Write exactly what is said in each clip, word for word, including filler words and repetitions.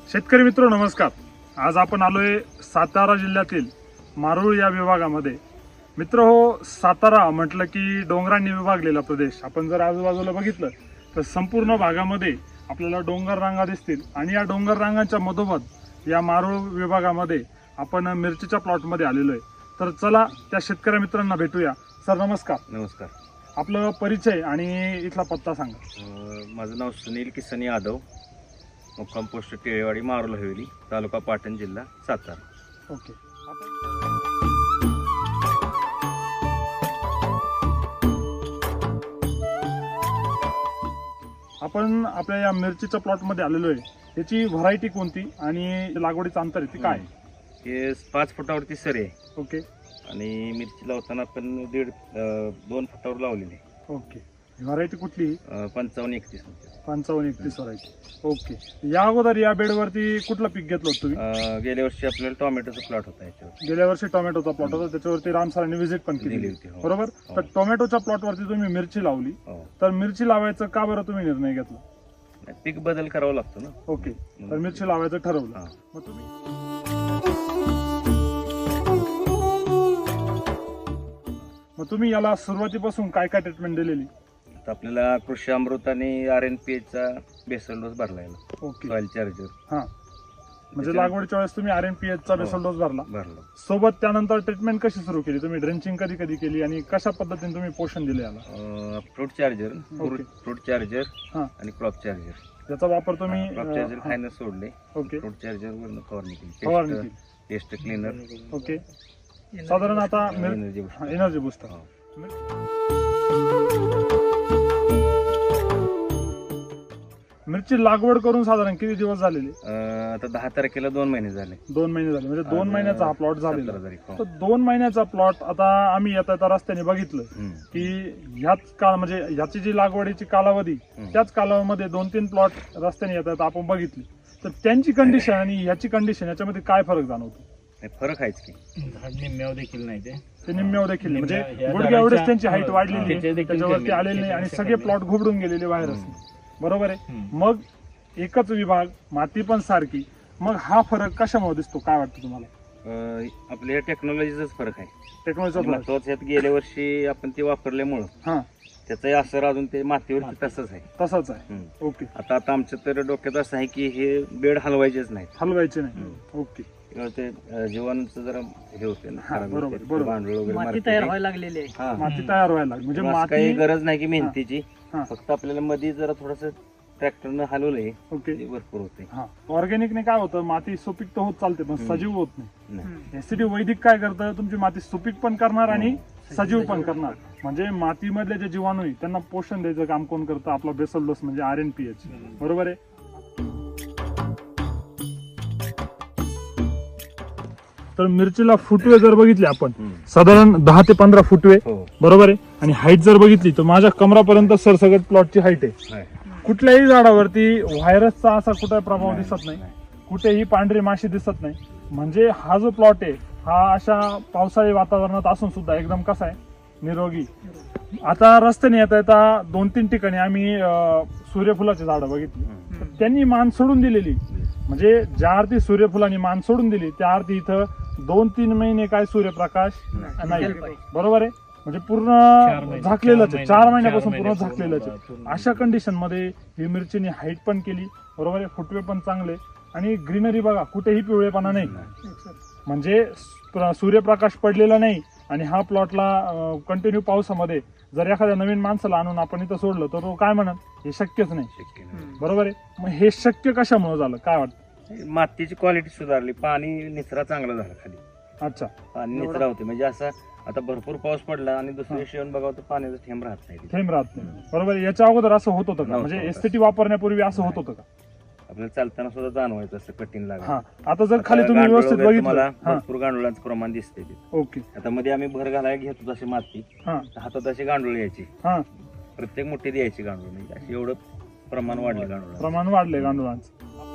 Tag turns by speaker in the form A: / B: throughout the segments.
A: शेतकरी मित्र नमस्कार. आज आपण आलोय सातारा जिल्ह्यातील मारूळ या विभागामध्ये. मित्र हो, सातारा म्हटलं की डोंगरांनी विभागलेला प्रदेश. आपण जर आजूबाजूला बघितलं तर संपूर्ण भागामध्ये आपल्याला डोंगर रांगा दिसतील आणि या डोंगर रांगांच्या मधोमध या मारूळ विभागामध्ये आपण मिरचीच्या प्लॉटमध्ये आलेलो आहे. तर चला त्या शेतकरी मित्रांना भेटूया. सर नमस्कार.
B: नमस्कार.
A: आपलं परिचय आणि इथला पत्ता सांगा.
B: अं, माझं नाव सुनील किसन यादव, मुक्काम पोस्ट टेळेवाडी, मारूल हवेली, तालुका पाटण, जिल्हा सातारा.
A: ओके. आपण आपल्या या मिरचीच्या प्लॉट मध्ये आलेलो आहे. याची व्हरायटी कोणती आणि लागवडीचं अंतर आहे ते काय?
B: हे पाच फुटावरती सरी आहे
A: ओके
B: आणि मिरची लावताना आपण दीड अं, दोन फुटावर लावलेली आहे.
A: ओके. व्हरायटी कुठली?
B: अं, पंचावन्न एकतीस.
A: पंचावन्न एकतीस व्हरायटी. ओके. या अगोदर या बेडवरती कुठलं पीक घेतलं होतं तुम्ही?
B: अं, गेल्या वर्षी आपल्याला टोमॅटोचा प्लॉट होता याच्यावर.
A: गेल्या वर्षी टोमॅटोचा प्लॉट होता, त्याच्यावरती राम सरांनी व्हिजिट पण
B: दिली
A: केली
B: होती. हो.
A: बरोबर.
B: हो.
A: तर टोमॅटोच्या प्लॉटवरती तुम्ही मिरची लावली,
B: हो.
A: तर मिरची लावायचं का बरं तुम्ही निर्णय घेतला?
B: पीक बदल करावा लागतो ना.
A: ओके. तर मिरची लावायचं ठरवलं.
B: हा.
A: मग तुम्ही मग तुम्ही याला सुरुवातीपासून काय काय ट्रीटमेंट दिलेली?
B: तर आपल्याला कृषी अमृत आणि आर एन पी चा बेसल डोस भरला याला.
A: ओके.
B: सॉइल चार्जर
A: हा, म्हणजे लागवडीच्या वेळेस तुम्ही आर एन पी एच चा
B: हो.
A: बेसल डोस भरला.
B: भरला.
A: सोबत त्यानंतर ट्रीटमेंट कशी सुरू केली तुम्ही? ड्रेंचिंग कधी कधी केली आणि कशा पद्धतीने तुम्ही पोषण दिले याला?
B: Fruit charger,
A: okay.
B: Fruit charger
A: हा.
B: आणि क्रॉप चार्जर.
A: याचा वापर तुम्ही
B: क्रॉप चार्जर
A: अं,
B: खायला सोडले.
A: ओके.
B: फ्रूट चार्जर वरून फवारणी केली.
A: फवारणी
B: पेस्ट
A: केली.
B: Pest cleaner,
A: okay. साधारण आता
B: एनर्जी बूस्टर.
A: Energy booster.
B: हो.
A: मिरची लागवड करून साधारण किती दिवस झालेले?
B: अं, आता दहा तारखेला दोन महिने झाले.
A: दोन महिने झाले, म्हणजे दोन
B: आणि
A: महिन्याचा हा प्लॉट झालेला.
B: सतरा तारीख. हो.
A: तर दोन महिन्याचा प्लॉट आता आम्ही येता येता रस्त्याने बघितलं
B: हम्म.
A: की ह्याच काळ म्हणजे ह्याची जी लागवडीची कालावधी
B: हम्म.
A: त्याच कालावधीमध्ये दोन तीन प्लॉट रस्त्याने येता येता आपण बघितली. तर त्यांची कंडिशन आणि ह्याची कंडिशन याच्यामध्ये काय फरक जाणवतो?
B: नाही, फरक आहेच की.
C: झाड निम्म्यावर देखील नाही ते
A: ते निम्म्यावर देखील नाही.
C: निम्म्या-
A: म्हणजे
C: या
A: गुडघ्या एवढेच
C: झाडाच्या-
A: त्यांची हाईट
C: हा,
A: वाढलेली आहे,
C: त्याच्या देखील
A: त्याच्यावरती
C: कमी.
A: आलेली नाही आणि
C: त्याच्या
A: सगळे
C: कमी.
A: प्लॉट घुबडून गेलेले व्हायरस.
B: हम्म.
A: बरोबर आहे.
C: हम्म.
A: मग एकच विभाग, माती पण सारखी, मग हा फरक कशामुळे दिसतो? काय वाटतं तुम्हाला?
B: अं, आपल्या टेक्नॉलॉजीचाच फरक आहे.
A: टेक्नॉलॉजीचा फरक.
B: महत्वाचं यात गेल्या वर्षी आपण ते वापरल्यामुळं
A: हा,
B: त्याचाही असर अजून ते मातीवरती तसंच आहे.
A: तसाच आहे.
B: हम्म.
A: ओके.
B: आता आता आमच्या तर डोक्यात असं आहे की हे बेड हलवायचेच नाहीत.
A: हलवायचे नाही.
B: हम्म.
A: ओके.
B: किंवा ते अं, जीवाणूचं जरा हे होते ना,
A: हा,
B: खराब
A: बरोबर,
B: होते.
A: बरोबर.
B: भांडवल वगैरे
D: माती
B: मारते
D: तयार
B: ते.
D: व्हायला लागलेली आहे.
B: हा.
A: माती तयार व्हायला लागली. म्हणजे
B: असं काही
A: माती.
B: गरज नाही की मेहनतीची.
A: हा.
B: फक्त आपल्याला मध्ये जरा थोडस ट्रॅक्टरनं हलवलंय
A: ओके.
B: ते भरपूर होते.
A: हा, ऑर्गॅनिकने काय होतं, माती सुपीक तर होत चालते पण
B: हम्म.
A: सजीव होत नाही.
B: नाही.
A: एसीडी वैदिक काय करतं, तुमची माती सुपीक पण करणार आणि सजीव पण करणार. म्हणजे मातीमधले जे जीवाणू आहे त्यांना पोषण द्यायचं काम कोण करतं? आपला बेसल डोस म्हणजे आर एन पी एच. बरोबर आहे. तर मिरचीला फुटवे जर बघितले आपण,
B: हम्म.
A: साधारण दहा ते पंधरा फुटवे.
B: हो.
A: बरोबर आहे. आणि हाईट जर बघितली तर माझ्या कमरापर्यंत सरसगट प्लॉटची हाईट आहे.
B: आहे.
A: कुठल्याही झाडावरती व्हायरसचा असा कुठे प्रभाव
B: नाही,
A: दिसत नाही.
B: नाही.
A: कुठेही पांढरी माशी दिसत नाही. म्हणजे हा जो प्लॉट आहे हा अशा पावसाळी वातावरणात असून सुद्धा एकदम कसा आहे, निरोगी. आता रस्त्याने येता येता दोन तीन ठिकाणी आम्ही अं, सूर्यफुलाची झाडं बघितली.
B: हम्म.
A: तर त्यांनी मान सोडून दिलेली. म्हणजे ज्या अर्थी सूर्यफुलांनी मान सोडून दिली त्या अर्थी इथं दोन तीन महिने काय सूर्यप्रकाश नाही. बरोबर आहे. म्हणजे पूर्ण
C: महिने-
A: झाकलेलंच आहे.
C: चार
A: चार
C: महिने-
A: महिन्यापासून
C: चार
A: पूर्ण
C: महिने
A: झाकलेलंच आहे.
C: पूर्ण-
A: अशा कंडिशन मध्ये ही मिरचीने हाईट पण केली. बरोबर आहे. फुटवे पण चांगले आणि ग्रीनरी बघा, कुठेही पिवळेपणा नाही. म्हणजे प्र- सूर्यप्रकाश पडलेला नाही. आणि हा प्लॉटला कंटिन्यू पावसामध्ये जर एखाद्या नवीन माणसाला आणून आपण इथं सोडलं तर तो काय म्हणत, हे शक्यच नाही.
B: शक्य नाही.
A: बरोबर आहे. मग हे शक्य कशामुळे झालं काय वाटतं?
B: मातीची क्वालिटी सुधारली, पाणी निचरा चांगला झाला खाली.
A: अच्छा.
B: पाणी निचरा होते म्हणजे असं आता भरपूर पाऊस पडला आणि दुसऱ्या दिवशी येऊन बघावं तर पाण्याचा थेंब राहत नाही तिथे.
A: थेंब राहत नाही. बरोबर आहे. याच्या अगोदर असं होत होतं का?
B: नव्हतं
A: म्हणजे
B: होत.
A: एसटीटी वापरण्यापूर्वी असं होत होतं का?
B: आपल्याला चालताना सुद्धा जाणवायचं असं कठीण लागत.
A: हा. आता जर खाली तुम्ही व्यवस्थित बघितलं.
B: मला
A: हा.
B: भरपूर गांडुळांचं प्रमाण दिसतंय तिथे.
A: ओके.
B: आता मध्ये आम्ही भर घालायला घेत होतो अशी माती,
A: हा.
B: हातात अशी गांडूळ यायची,
A: हा.
B: प्रत्येक मुठ्ठी द्यायची गांडूळ. म्हणजे अशी एवढं प्रमाण वाढलं गांडूळ.
A: प्रमाण वाढलंय गांडुळांचं.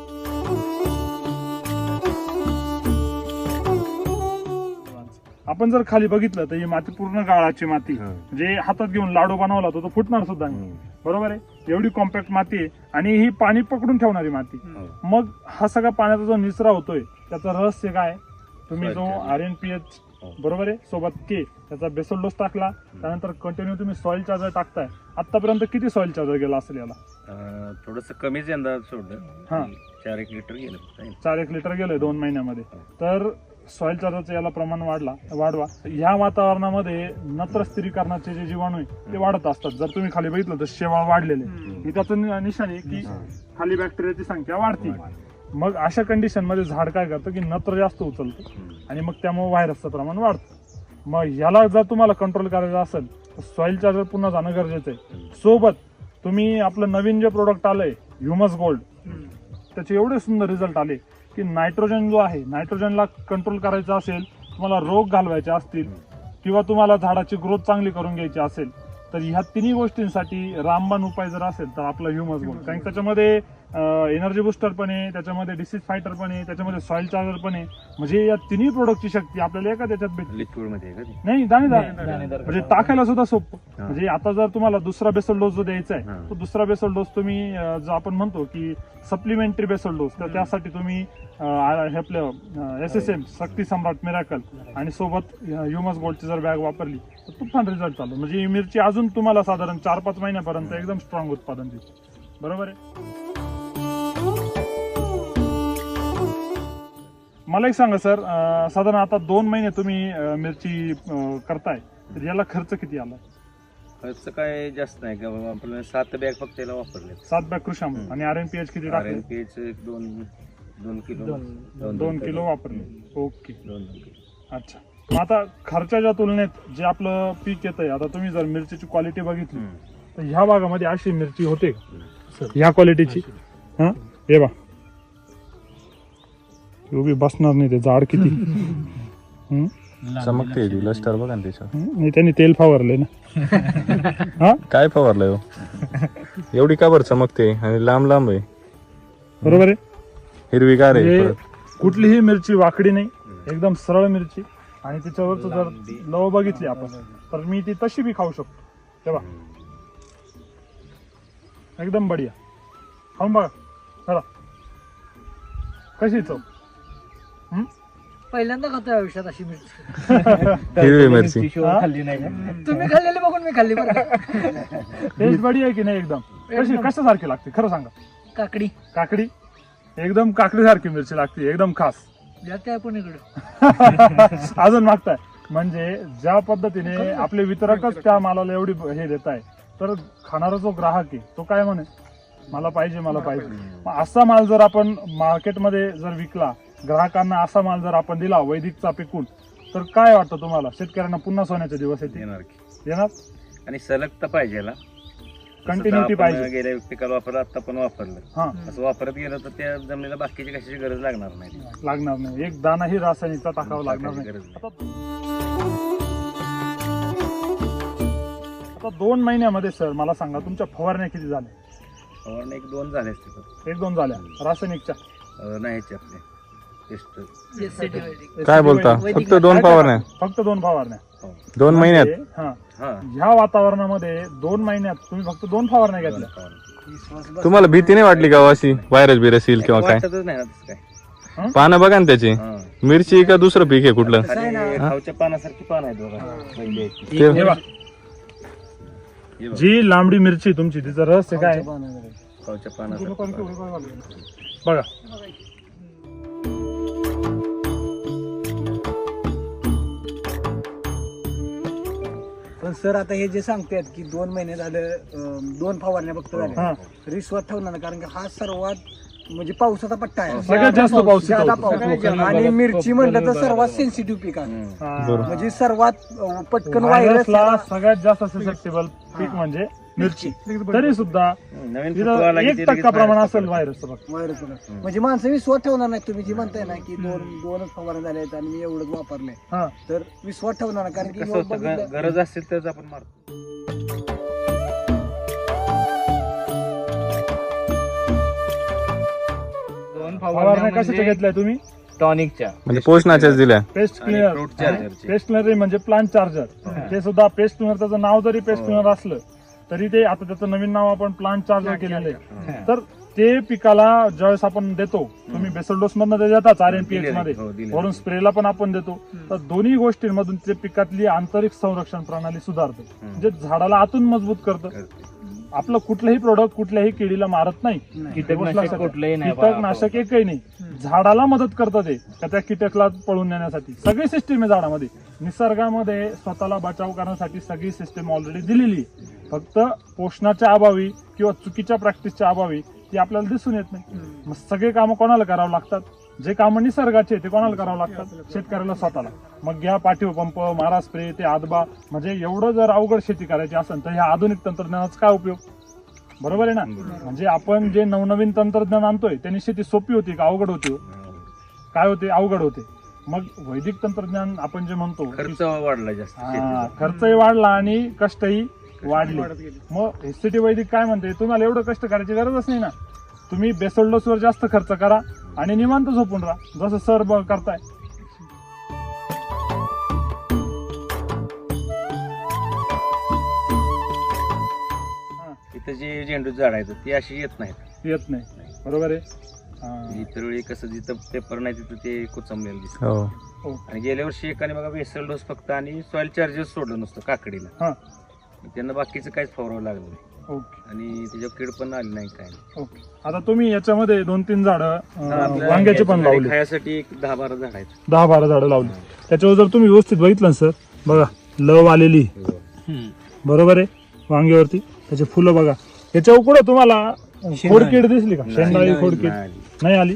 A: आपण जर खाली बघितलं तर ही माती पूर्ण गाळाची माती. म्हणजे हातात घेऊन लाडू बनवला तर तो फुटणार सुद्धा नाही. बरोबर आहे. एवढी कॉम्पॅक्ट माती आहे आणि ही पाणी पकडून ठेवणारी माती.
B: हो.
A: मग हा सगळा पाण्याचा जो निचरा होतोय त्याचं रहस्य काय? तुम्ही जो
B: Soil
A: R N P H
B: हो.
A: बरोबर आहे सोबत के त्याचा बेसल डोस टाकला, त्यानंतर कंटिन्यू तुम्ही सॉइल चार्जर टाकताय. आतापर्यंत किती सॉइल चार्जर गेला असेल याला?
B: थोडस कमीच यंदा सोडलं.
A: हा.
B: चार एक लिटर गेलं फक्त.
A: चार एक लिटर गेलंय दोन महिन्यामध्ये. तर सॉइल चार्जरचं याला प्रमाण वाढला वाढवा. ह्या वातावरणामध्ये नत्र स्थिरीकरणाचे जे जीवाणू आहे ते वाढत असतात. जर तुम्ही खाली बघितलं तर शेवाळ वाढलेले, हे त्याचं नि- निशाण आहे की खाली बॅक्टेरियाची संख्या वाढती. मग अशा कंडिशन मध्ये झाड काय करतं की नत्र जास्त उचलतं आणि मग त्यामुळे व्हायरसचं प्रमाण वाढतं. मग ह्याला जर तुम्हाला कंट्रोल करायचं असेल तर सॉइल चार्जर पुन्हा जाणं गरजेचं आहे. सोबत तुम्ही आपलं नवीन जे प्रोडक्ट आलंय ह्युमस गोल्ड, त्याचे एवढे सुंदर रिझल्ट आले की नायट्रोजन जो आहे, नायट्रोजनला कंट्रोल करायचा असेल, तुम्हाला रोग घालवायचे असतील किंवा तुम्हाला झाडाची ग्रोथ चांगली करून घ्यायची असेल तर ह्या तिन्ही गोष्टींसाठी रामबाण उपाय जर असेल तर आपला ह्युमस गोल्ड. कारण त्याच्यामध्ये एनर्जी बुस्टर पण आहे, त्याच्यामध्ये डिसीज फायटर पण आहे, त्याच्यामध्ये सॉइल चार्जर पण आहे. म्हणजे या तिन्ही प्रोडक्टची शक्ती आपल्याला एका त्याच्यात भेटते.
B: लिक्विड मध्ये आहे का ते?
A: नाही दाणेदार
C: दाणेदार.
A: म्हणजे टाकायला सुद्धा सोपं.
B: हा.
A: म्हणजे आता जर तुम्हाला दुसरा बेसल डोस जो द्यायचा आहे
B: हा.
A: तो दुसरा बेसल डोस तुम्ही अं, जो आपण म्हणतो की सप्लिमेंटरी बेसल डोस, तर त्यासाठी तुम्ही अं, हे आपलं S S M Shakti Samrat miracle आणि सोबत ह्युमस गोल्डची जर बॅग वापरली तर तुफान रिझल्ट चालू. म्हणजे ही मिरची अजून तुम्हाला साधारण चार पाच महिन्यापर्यंत एकदम स्ट्रॉंग उत्पादन देईल. बरोबर आहे. मला एक सांगा सर, अं, साधारण आता दोन महिने तुम्ही अं, मिरची अं, करताय तर याला खर्च किती आला?
B: खर्च काय जास्त नाही का बाबा, आपल्याला सात बॅग फक्त त्याला वापरले.
A: सात बॅग कृषाम
B: हम्म.
A: आणि आर एन पी एच किती
B: आर
A: टाकले?
B: एन पी एच एक दोन दोन किलो
C: दोन-
A: दोन किलो वापरले. ओके,
B: दोन दोन किलो.
A: अच्छा. मग आता खर्चाच्या तुलनेत जे आपलं पीक येतंय, आता तुम्ही जर मिरचीची क्वालिटी बघितली
B: हम्म.
A: तर ह्या भागामध्ये अशी मिरची होते का?
B: हम्म.
A: ह्या क्वालिटीची? हा हे बा उभी बसणार नाही, ते जाड किती. हम्म?
D: चमकते ती लस्टर बघा ना त्याच्यावर.
A: हम्म? नाही त्यांनी तेल फवारले ना. हा
D: काय फवारलंय हो? एवढी का बरं चमकते आणि लांब लांब आहे,
A: बरोबर आहे.
D: हिरवीगार आहे
A: म्हणजे
D: परत.
A: कुठलीही मिरची वाकडी नाही, एकदम सरळ मिरची. आणि त्याच्यावरच जर लव बघितली आपण तर मी ती तशी बी खाऊ शकतो. तेव्हा एकदम बढिया. खाऊन बघा चला कशी चव. हम्म?
E: पहिल्यांदा खातोय आयुष्यात अशी मिरची.
D: हिरवी मिरची
C: शिवाय खाल्ली नाही का?
E: तुम्ही खाल्लेली बघून मी खाल्ली बरं.
A: टेस्ट बढिया आहे की नाही एकदम? कशी कशासारखी लागते खरं सांगा?
E: काकडी
A: काकडी एकदम काकडी सारखी मिरची लागते, एकदम खास.
E: द्या त्या पण इकडं.
A: अजून मागताय म्हणजे ज्या पद्धतीने आपले वितरकच त्या मालाला एवढी हे देत आहे तर खाणारा जो ग्राहक आहे तो काय म्हणे, मला पाहिजे मला पाहिजे. मग असा माल जर आपण मार्केटमध्ये जर विकला, ग्राहकांना असा माल जर आपण दिला वैदिकचा पिकून, तर काय वाटतं तुम्हाला? शेतकऱ्यांना पुन्हा सोन्याचे दिवस येतील?
B: येणार की.
A: येणार.
B: आणि सलग तर पाहिजे याला.
A: कंटिन्युटी
B: जसं आपण
A: पाहिजे.
B: गेल्या पिकाला वापरलं, आता पण वापरलं.
A: हा
B: असं वापरत गेलं तर त्या जमिनीला बाकीची कशाची गरज लागणार नाही.
A: लागणार नाही, एक दानाही रासायनिकचा टाकावा लागणार नाही.
B: गरज नाही.
A: आता दोन महिन्यामध्ये सर मला सांगा तुमच्या फवारण्या किती झाल्या?
B: फवारणी एक दोन झाले असते पण.
A: एक दोन झाल्या रासायनिकच्या?
B: अं, नाही ह्याचे आपले टेस्ट.
E: एससीटी वैदिक.
D: काय बोलता? फक्त दोन फवारण्या
A: फक्त दोन फवारण्या
D: दोन महिन्यात?
A: म्हणजे, हा
B: हा
A: ह्या वातावरणामध्ये दोन महिन्यात तुम्ही फक्त दोन फवारण्या
B: दोन
A: घेतल्या?
B: फवारणी.
D: तुम्हाला भीती नाही वाटली का हो अशी व्हायरस बिरस येईल किंवा काय?
B: वाटतच नाही ना तसं काय.
D: पानं बघा ना त्याची.
B: हा.
D: मिरची का दुसरं पीक आहे कुठलं?
B: खाली खावच्या पानासारखी पान आहेत बघा. पहिली आहेत ती.
D: ते-
A: हे बघा,
B: हे बघा.
A: जी लांबडी मिरची तुमची तिचं रहस्य काय आहे?
B: खावच्या पानासारखी पान.
A: बघा
F: पण सर आता हे जे सांगतायत की दोन महिने झालं अं, दोन फवारण्या फक्त
A: हा.
F: झाल्या, रिश्वत ठेवणार नाही, कारण की हा सर्वात म्हणजे पावसाचा पट्टा आहे.
A: सगळ्यात जास्त पाऊस
F: ज्यादा
A: इथं
F: पाऊस.
A: होतो.
F: आणि मिरची म्हणलं तर सर्वात सेन्सिटिव्ह पीक आहे.
B: हम्म.
A: हा.
D: बरोबर.
F: म्हणजे सर्वात अं, पटकन व्हायरस
A: व्हायरसला सगळ्यात जास्त ससेप्टेबल पीक म्हणजे मिरची. तरी सुद्धा
B: नवीन
A: तिथं
B: फुटवा आला की
A: एक
B: ते
A: टक्का
B: लगेच
A: प्रमाण
B: बाहेर
A: असेल
B: पडतं.
A: व्हायरसचं बघ.
F: व्हायरस म्हणजे माणसं विश्वास ठेवणार नाही. तुम्ही जी म्हणताय ना की दोन दोनच फवारण्या झाल्या आहेत आणि मी एवढंच वापरलंय,
A: हा
F: तर विश्वास ठेवणार नाही, कारण की
B: कसं
F: ह्यो
B: होतं,
F: बघितलं-
B: ग- गरज असेल तर आपण मारतो.
C: दोन
A: फवारण्या
C: फवारण्या
A: कशाच्या
C: म्हणजे
A: घेतल्या तुम्ही?
C: टॉनिकच्या.
D: म्हणजे पोषणाच्याच दिल्या.
A: पेस्ट
B: आणि
A: क्लिनर.
B: फ्रूट चार्जरचे.
A: पेस्ट क्लिनर म्हणजे प्लांट चार्जर. ते सुद्धा पेस्ट क्लिनर, त्याचं नाव जरी पेस्ट क्लिनर असलं तरी ते आता त्याचं नवीन नाव आपण प्लांट चार्जर केलेलं आहे. तर ते पिकाला ज्यावेळेस आपण देतो, तुम्ही बेसल डोस मधनं ते देताच आर एन पी एच मध्ये,
B: हो, दिलेलं.
A: वरून स्प्रेला पण आपण देतो. तर दोन्ही गोष्टींमधून ते पिकातली आंतरिक संरक्षण प्रणाली सुधारते, म्हणजे झाडाला आतून मजबूत करतं.
B: करते.
A: आपलं कुठलंही प्रोडक्ट कुठल्याही किडीला मारत नाही.
C: कीटकनाशक कुठलंही नाही
A: कीटकनाशक एकही नाही. झाडाला मदत करतं ते, का त्या कीटकला पळून नेण्यासाठी सगळी सिस्टीम आहे झाडामध्ये. निसर्गामध्ये स्वतःला बचाव करण्यासाठी सगळी सिस्टीम ऑलरेडी दिलेली आहे. फक्त पोषणाच्या अभावी किंवा चुकीच्या प्रॅक्टिसच्या अभावी ती आपल्याला दिसून येत नाही. मग सगळे कामं कोणाला करावं लागतात? जे कामं निसर्गाचे ते कोणाला करावं लागतात? शेतकऱ्याला स्वतःला. मग घ्या पाठीव पंप, मारा स्प्रे, ते आदबा, म्हणजे एवढं जर अवघड शेती करायची असेल तर ह्या आधुनिक तंत्रज्ञानाचा काय उपयोग? बरोबर आहे ना? म्हणजे आपण जे नवनवीन तंत्रज्ञान आणतोय त्यांनी शेती सोपी होती का अवघड होती? काय होते? अवघड होते. मग वैदिक तंत्रज्ञान आपण जे म्हणतो,
B: खर्च वाढला जास्त
A: हा,
B: शेतीचा.
A: खर्चही वाढला आणि कष्टही वाढले. मग एससीटी वैदिक काय म्हणते, तुम्हाला एवढं कष्ट करायची गरजच नाही ना. तुम्ही बेसल डोसवर जास्त खर्च करा आणि निवांत झोपून राहा, जसं सर ब- करताय.
B: इथं जे झेंडू झाड आहेत ती अशी येत नाहीत.
A: येत नाही. बरोबर आहे. हा.
B: इतर वेळी कसं जिथं पेपर नाही तिथं ते कुचमलेलं दिसतं.
D: हो
A: हो.
B: आणि गेल्या वर्षी एकाने बघा बेसल डोस फक्त आणि सॉइल चार्जेस सोडलं नुसतं काकडीला.
A: हा.
B: त्यांना बाकीचं काहीच फवारावं लागलं नाही
A: ओके
B: आणि त्याच्यावर कीड पण आली नाही काय नाही.
A: ओके. आता तुम्ही याच्यामध्ये दोन तीन झाडं अं,
B: आपल्या
A: वांग्याची पण
B: घरी
A: लावली,
B: खायासाठी एक दहा बारा झाड आहेत.
A: दहा बारा झाडं लावली. त्याच्यावर जर तुम्ही व्यवस्थित बघितलं ना सर, बघा लव आलेली, बरोबर आहे, वांग्यावरती त्याचे फुलं बघा. याच्या कुठं तुम्हाला खोडकीड दिसली का? शेंडाळी खोडकीड
B: नाही आली.
A: नाही आली.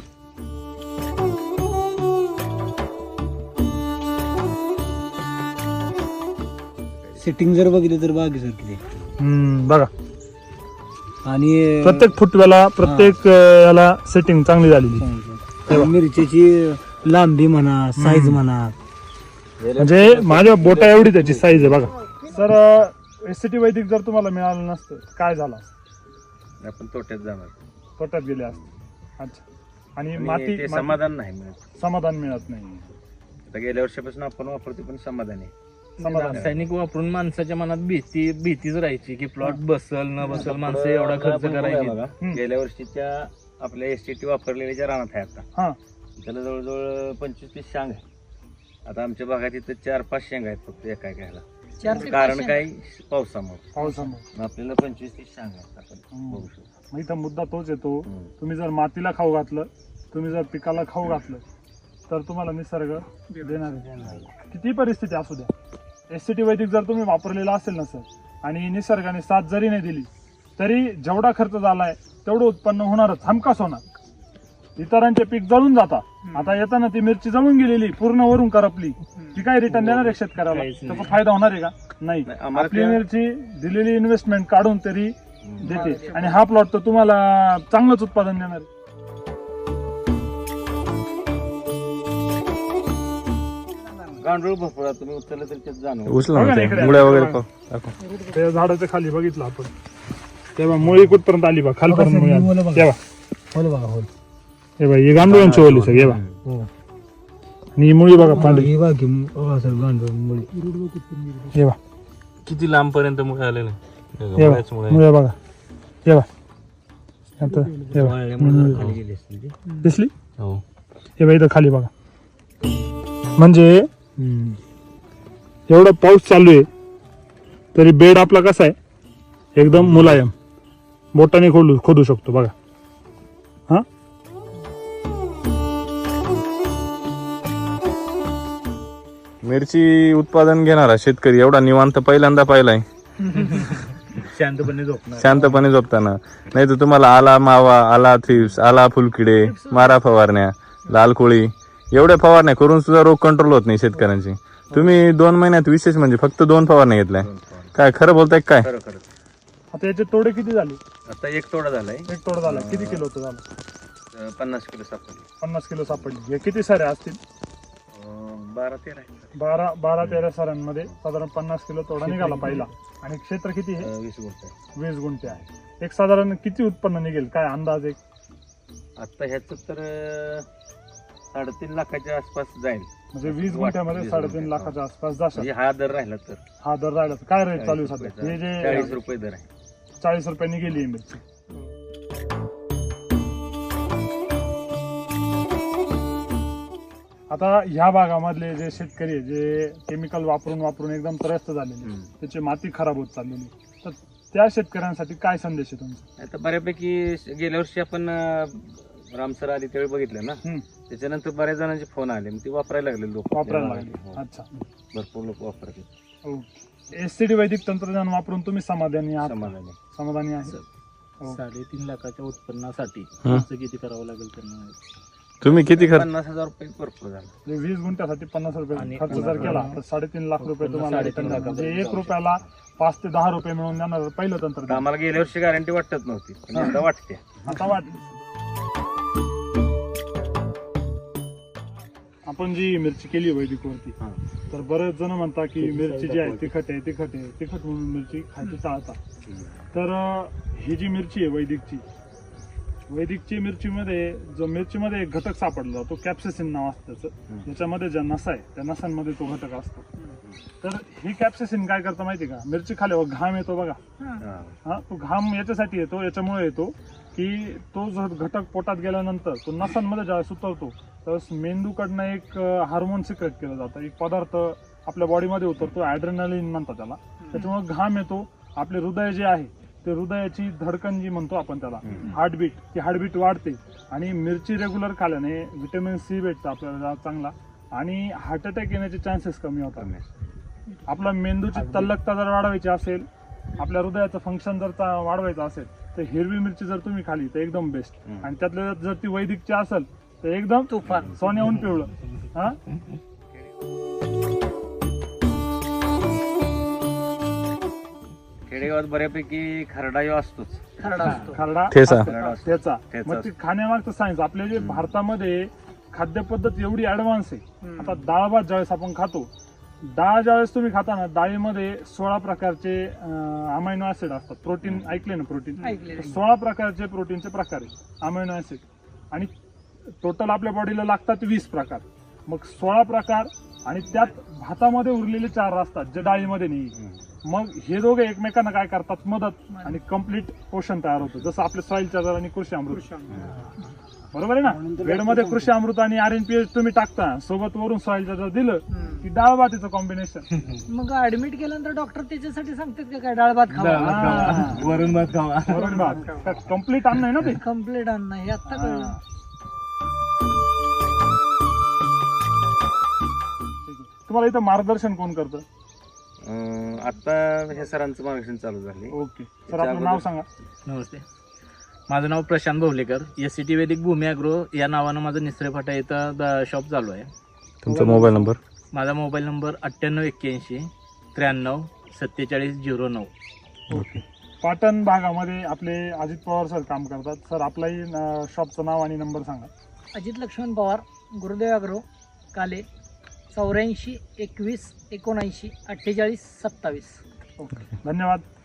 F: सेटिंग जर बघितली तर बागेसारखी आहे.
A: हम्म, बघा
F: आणि
A: प्रत्येक फुटव्याला प्रत्येक अं, याला सेटिंग चांगली झालेली.
F: आणि मिरचीची लांबी म्हणा, साईज म्हणा,
A: म्हणजे माझ्या बोटा एवढी त्याची साईज आहे बघा. सर एससीटी वैदिक जर तुम्हाला मिळालं नसतं काय झालं असतं?
B: आपण तोट्यात जाणार
A: तोट्यात गेले असते. अच्छा. आणि
B: आणि
A: माती
B: ते
A: माती-
B: समाधान नाही मिळत.
A: समाधान मिळत नाही.
B: आता गेल्या वर्षापासून आपण वापरतो पण समाधान आहे.
A: समाधान
C: रासायनिक वापरून माणसाच्या मनात भीती भीतीच राहायची की प्लॉट बसल न बसल, माणसं एवढा खर्च
B: आपण बघा
C: करायची.
B: बघा,
A: हम्म.
B: गेल्या वर्षीच्या आपल्या एसटीटी वापरलेल्या ज्या रानात आहे आता
A: हा.
B: त्याला जवळजवळ पंचवीस तीस शांग आहे. आता आमच्या भागात इथं चार पाच शेंग आहेत फक्त एका घ्यायला.
E: चार ते
B: कारण
E: पाच
B: काय? पावसामुळे.
A: पावसामुळे.
B: मग आपल्याला पंचवीस तीस शांग आहेत आपण
A: हम्म.
B: बघू शकतो.
A: मग इथं मुद्दा तोच येतो,
B: हम्म.
A: तुम्ही जर मातीला खाऊ घातलं, तुम्ही जर पिकाला खाऊ घातलं तर तुम्हाला निसर्ग देणार आहे. किती परिस्थिती असू द्या. एससीटी वैदिक जर तुम्ही वापरलेला असेल ना सर, आणि निसर्गाने साथ जरी नाही दिली तरी जेवढा खर्च झालाय तेवढं उत्पन्न होणारच, हमखास होणार. इतरांचे पीक जळून जातात. आता येताना ती मिरची जळून गेलेली, पूर्ण वरून करपली, ती काय रिटर्न देणार आहे शेतकऱ्याला?
C: काहीच नाही.
A: त्याचा फायदा होणार आहे का? नाही.
B: नाही, आम्हाला
A: आपली
B: त्या-
A: मिरची दिलेली इन्व्हेस्टमेंट काढून तरी देते, आणि हा प्लॉट तर तुम्हाला चांगलंच उत्पादन देणार आहे.
B: गांडूळ भरपूर तुम्ही उचललं तरी त्यात जाणवं.
D: उचला
A: बघा
D: ना
A: ना
D: ते
A: इकडे.
D: मुळ्या वगैरे पाहू. दाखव.
A: त्या झाडाच्या खाली बघितलं आपण, तेव्हा मुळी कुठपर्यंत आली बा, खालपर्यंत मुळी आली. तेव्हा
F: होल बघा होल.
A: हे बघा, ही गांडुळांची ओली सगळी, हे बघा.
F: हो.
A: आणि ही मुळी बघा पांढरी,
F: ही बाकी बघा सर गांडूळ मुळी.
A: हे बघा,
D: किती लांब पर्यंत मुळे आलेले
A: हे बघा, मुळ्या बघा, हे बघा. आता हे बघा,
F: खाली गेली असती ती.
A: दिसली?
D: हो.
A: हे बघा इथं खाली बघा. म्हणजे एवढा पाऊस चालू आहे तरी बेड आपला कसा आहे, एकदम मुलायम, बोटाने खोदू खोदू शकतो बघा. हा,
D: मिरची उत्पादन घेणारा शेतकरी एवढा निवांत पहिल्यांदा पाहिलाय.
C: शांतपणे झोपणार.
D: शांतपणे झोपताना. नाही तर तुम्हाला आला मावा, आला थ्रिप्स, आला फुलकिडे, मारा फवारण्या, लाल कोळी, एवढ्या फवारण्या करून सुद्धा रोग कंट्रोल होत नाही शेतकऱ्यांची. तुम्ही दोन महिन्यात विशेष म्हणजे फक्त दोन फवारण्या घेतल्या. काय खरं बोलताय काय?
B: खरं खरं.
A: आता याचे तोडे किती झाले?
B: आता एक तोडा झालाय.
A: एक तोडा झाला. किती किलो होतं झालं?
B: अं, पन्नास किलो सापडले.
A: पन्नास किलो सापडली. हे किती सारे असतील?
B: अं, बारा तेरा आहे.
A: बारा बारा तेरा साऱ्यांमध्ये साधारण पन्नास किलो तोडा निघाला पहिला. आणि क्षेत्र किती आहे?
B: अं, वीस गुंठ आहे.
A: वीस गुंठे आहे. एक साधारण किती उत्पन्न निघेल, काय अंदाज? एक
B: आता ह्याच तर अं, साडेतीन लाखाच्या आसपास जाईल.
A: म्हणजे वीस
B: वाट-
A: गुंठ्यामध्ये
B: वीस
A: साडेतीन
B: गुंठे.
A: लाखाच्या आसपास जाशाल.
B: म्हणजे हा दर राहिला तर
A: हा दर राहिला तर काय रेट चालू आहे सध्या? हे
B: चाळीस
A: जे
B: रुपये दर आहे.
A: चाळीस रुपयांनी गेली आहे मिरची. आता ह्या भागामधले जे शेतकरी आहे, जे केमिकल वापरून वापरून एकदम त्रस्त झालेले,
B: हम्म.
A: त्याची माती खराब होत चाललेली, तर त्या शेतकऱ्यांसाठी काय संदेश आहे तुमचा?
B: आता बऱ्यापैकी गेल्या वर्षी आपण अं, रामसर आली त्यावेळी बघितलं ना,
A: हम्म.
B: त्याच्यानंतर बऱ्याच जणांचे फोन आले, मग ते वापरायला लागले लोक.
A: वापरायला लागले. अच्छा.
B: भरपूर लोक वापरतात.
A: एससीडी वैदिक तंत्रज्ञान वापरून तुम्ही समाधानी आहात?
B: समाधानी.
A: समाधानी आहे. हो.
C: साडेतीन लाखाच्या उत्पन्नासाठी
D: हं.
C: खर्च किती करावं लागेल त्यांना?
D: तुम्ही किती खर्च
B: पन्नास हजार रुपये भरपूर झाला.
A: म्हणजे वीस गुंठ्यासाठी पन्नास रुपये
C: आणि
A: खर्च जर केला तर साडेतीन लाख रुपये तुम्हाला
C: साडेतीन
A: return
C: लाखापर्यंत
A: म्हणजे एक
C: जाऊ
A: रुपयाला पाच ते दहा रुपये मिळून देणार पहिलं
B: आता
A: तंत्रज्ञान.
B: आम्हाला गेल्या वर्षी गॅरंटी वाटत नव्हती, पण आता वाटते.
A: आता वाट आपण जी मिरची केली वैदिक वरती,
B: हा.
A: तर बरेच जण म्हणतात की मिरची जी आहे तिखट आहे तिखट आहे तिखट म्हणून मिरची खायची टाळतात. तर अं, ही जी मिरची आहे वैदिकची वैदिकची मिरचीमध्ये जो मिरचीमध्ये एक घटक सापडला तो कॅप्सेसिन नाव असतं त्याचं.
B: हम्म.
A: ज्याच्यामध्ये ज्या नसा आहे त्या नसांमध्ये तो घटक असतो. तर ही कॅप्सेसिन काय करतं माहिती का, मिरची खाल्यावर घाम येतो बघा,
B: हा.
A: हा तो घाम याच्यासाठी येतो, याच्यामुळे येतो की तो जो घटक पोटात गेल्यानंतर तो नसांमध्ये ज्यावेळेस उतरतो त्यावेळेस मेंदूकडनं एक हार्मोन सिक्रेट केलं जातं, एक पदार्थ आपल्या बॉडीमध्ये उतरतो, ॲड्रेनालिन म्हणतात त्याला. त्याच्यामुळे घाम येतो. आपले हृदय जे आहे ते हृदयाची धडकन जी म्हणतो आपण त्याला,
B: हम्म.
A: हार्टबीट, ती हार्टबीट वाढते. आणि मिरची रेग्युलर खाल्याने व्हिटॅमिन सी भेटतं आपल्याला चांगला, आणि हार्ट अटॅक येण्याचे चान्सेस कमी होतात.
B: कमी.
A: आपला मेंदूची तल्लकता जर वाढवायची असेल, आपल्या हृदयाचं फंक्शन जर चा- वाढवायचं असेल तर हिरवी मिरची जर तुम्ही खाली तर एकदम बेस्ट.
B: हम्म.
A: आणि त्यातल्या जर ती वैदिकची असेल तर एकदम तुफान सोन्याहून पिवळं. हा
B: खेडेगावात बऱ्यापैकी खरडा ह्यो असतोच.
E: खरडा असतो.
A: खरडा
D: ठेचा.
A: असतो.
B: खरडा असतो.
A: त्याचा
B: ठेचा
A: मग ती खाण्यामागचं सायन्स. आपल्या जे भारतामध्ये खाद्यपद्धत एवढी ऍडव्हान्स आहे. आता डाळ भात ज्यावेळेस आपण खातो, डाळ ज्यावेळेस तुम्ही खाता ना, डाळीमध्ये सोळा प्रकारचे अमायनो ऍसिड असतात. प्रोटीन ऐकले ना, प्रोटीन
E: ऐकलेलं आहे.
A: सोळा प्रकारचे प्रोटीनचे प्रकार आहे अमायनो ऍसिड, आणि टोटल आपल्या बॉडीला लागतात वीस प्रकार. मग सोळा प्रकार आणि त्यात भातामध्ये उरलेले चार असतात जे डाळीमध्ये नाही.
B: हम्म.
A: मग हे दोघे एकमेकांना काय करतात, मदत, आणि कम्प्लीट पोषण तयार होतं. जसं आपले सॉइल चार्जर आणि कृषी अमृत, बरोबर आहे ना. बेडमध्ये कृषी अमृत आणि आर एन पी एच तुम्ही टाकता, सोबत वरून सॉइल चार्जर दिलं की डाळ भातीचं कॉम्बिनेशन.
E: मग ऍडमिट केल्यानंतर डॉक्टर त्याच्यासाठी सांगतात का काय डाळ भात खावा?
C: डाळ भात खावा, वरण भात खावा.
A: वरून भात कम्प्लीट अन्न आहे ना ते.
E: कम्प्लीट अन्न हे आता कळलं.
A: हा. ठीक आहे. तुम्हाला इथं मार्गदर्शन कोण करतं?
B: अं, आता हे सरांचं मार्गदर्शन चालू झाले.
A: ओके सर, आपलं नाव सांगा.
C: नमस्ते, माझं नाव Prashant Bhowalekar. S C T Vaidik Bhumi agro या नावानं माझं निसरे फाटा इथं शॉप चालू आहे.
D: तुमचा मोबाईल नंबर?
C: माझा मोबाईल नंबर अठ्ठ्याण्णव एक्क्याऐंशी त्र्याण्णव सत्तेचाळीस झिरो नऊ.
A: ओके. पाटण भागामध्ये आपले अजित पवार सर काम करतात. सर आपलाही अं, शॉपचं नाव आणि नंबर सांगा.
E: अजित लक्ष्मण पवार, गुरुदेव अग्रो, काले, चौऱ्याऐंशी एकवीस एकोणऐंशी अठ्ठेचाळीस सत्तावीस.
A: ओके, धन्यवाद.